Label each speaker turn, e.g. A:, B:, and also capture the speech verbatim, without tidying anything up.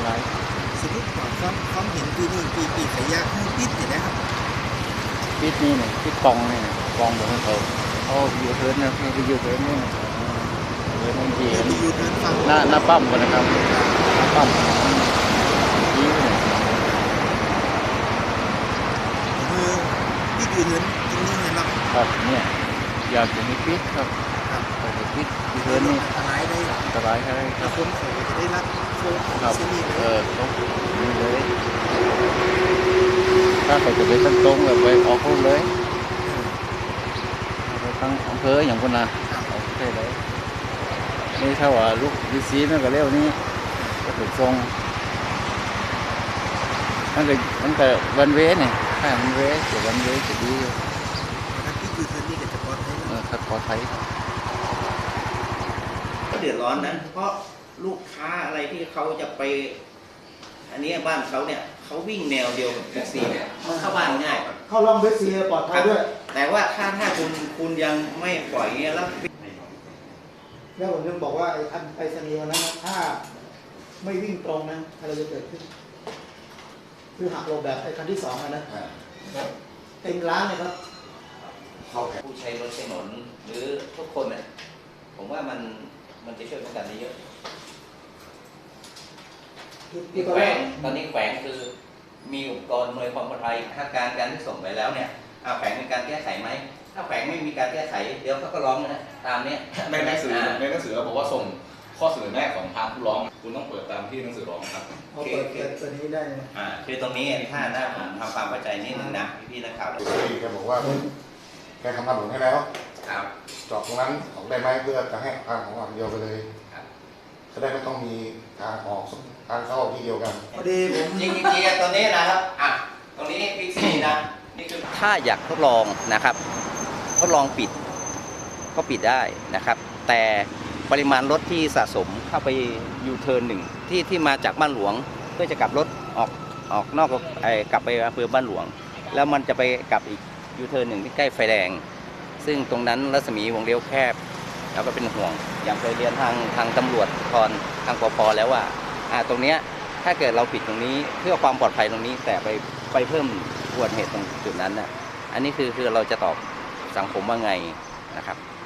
A: ราย
B: สมมติว่าความความเห็นปีนี้ปีปีขยะให้ปิดเนี่ยนะครับ
A: ปิดนี่เนี่ยปิดกองนี่กองบอกให้เขาเขาอยู่เทินนะให้ไปอยู่เทินนี่นะเทินบางที
B: มีอยู่เดินฟัง
A: หน้าหน้าปั๊มกันนะครับหน้าปั๊มยิ้วเนี่ย
B: คือที่อยู่เดินตรงนี้เนี่ยเรา
A: ครับเนี่ยอยากจะมีปิดครับแต่ปิดอยู่เทินนี่
B: อันตรายได้
A: อันตรายใช่ไหมค
B: แล้
A: รั
B: ว
A: บ
B: คนเขาจะได้รับโฟม
A: ครับ
B: เส้นนี้เล
A: เอย อตรงนี้เลยถ้าเขาจะไปตั้งตรงแบบไปออกรูปเลยไปตั้งอำเภออย่างคนน่ะโอเคเลยนี่ถ้าว่าลูกยูซีมันก็เร็วนี่ก็ถูกทรงมันก็มันก็วันเวเนี่ยถ้ามันเวเกี่ยววันเวจะดีอยู่
B: ถ้าที่อยู่เดินนี่ก็จะปลอดภัย
A: เออถ้าขอไทย
C: ก็เดือดร้อนนะเพราะลูกค้าอะไรที่เขาจะไปอันนี้บ้านเขาเนี่ยเขาวิ่งแนวเดียวกับแท็กซี่เนี่ยเข้าบ้านง่าย
D: เข้าร่องเวสซีปลอดภัยด้วย
C: แต่ว่าถ้าถ้าคุณคุณยังไม่ปล่อยเงี้ยแล้ว
D: แล้วผมยังบอกว่าไอ้อันไปสนีวันนั้นถ้าไม่วิ่งตรงนะอะไรจะเกิดขึ้นคือหักหลบแบบไอ้คันที่สองนะเต็มร้านเลยครับ
C: ผู้ใช้รถใช้ถนนหรือทุกคนเนี่ยผมว่ามันมันจะช่วยป้องกันได้เยอะแขวงตอนนี้แขวงคือมีอุปกรณ์หน่วยความปลอดภัยถ้าการการที่ส่งไปแล้วเนี่ยเอาแขวงมีการแก้ไขไหมถ้าแขวงไม่มีการแก้ไขเดี๋ยวเขาก็ร้องนะตามเนี้ย
E: ในหนังสือในหนังสือเราบอกว่าส่งข้อเสนอแนะของทางผู้ร้องคุณต้องเปิดตามที่หนังสือร้องครับ
D: เขาเปิดเปิดตัวนี้ได้
C: อ่าคือตรงนี้ถ้าหน้าผมทำความเข้าใจนิดนึงนะพี่ๆนักข่าว
F: พี่แกบอกว่าแกทำถนนให้แล้ว
C: ครับ
F: จอดตรงนั้นออกได้ไหมเพื่อจะให้ทางของอันเดียวไปเลยจะได้ไม่ต้องมีทางออกทางเข้าที่เดียวกัน
D: พอดีผม
C: จริงจริงตรงนี้นะครับอ่ะตรงนี้พิกซี่นะนี่คือถ้าอยากทดลองนะครับทดลองปิดก็ปิดได้นะครับ แต่ปริมาณรถที่สะสมเข้าไปยูเทิร์นหนึ่งที่ที่มาจากบ้านหลวงเพื่อจะกลับรถออกออกนอกไอ้กลับไปอำเภอบ้านหลวงแล้วมันจะไปกลับอีกยูเทิร์นหนึ่งที่ใกล้ไฟแดงซึ่งตรงนั้นรัศมีวงเลี้ยวแคบแล้วก็เป็นห่วงอย่างเคยเรียนทางทางตำรวจทอนทางปภแล้วว่าอ่าตรงเนี้ยถ้าเกิดเราปิดตรงนี้เพื่อความปลอดภัยตรงนี้แต่ไปไปเพิ่มอุบัติเหตุตรงจุดนั้นน่ะอันนี้คือคือเราจะตอบสังคมว่าไงนะครับ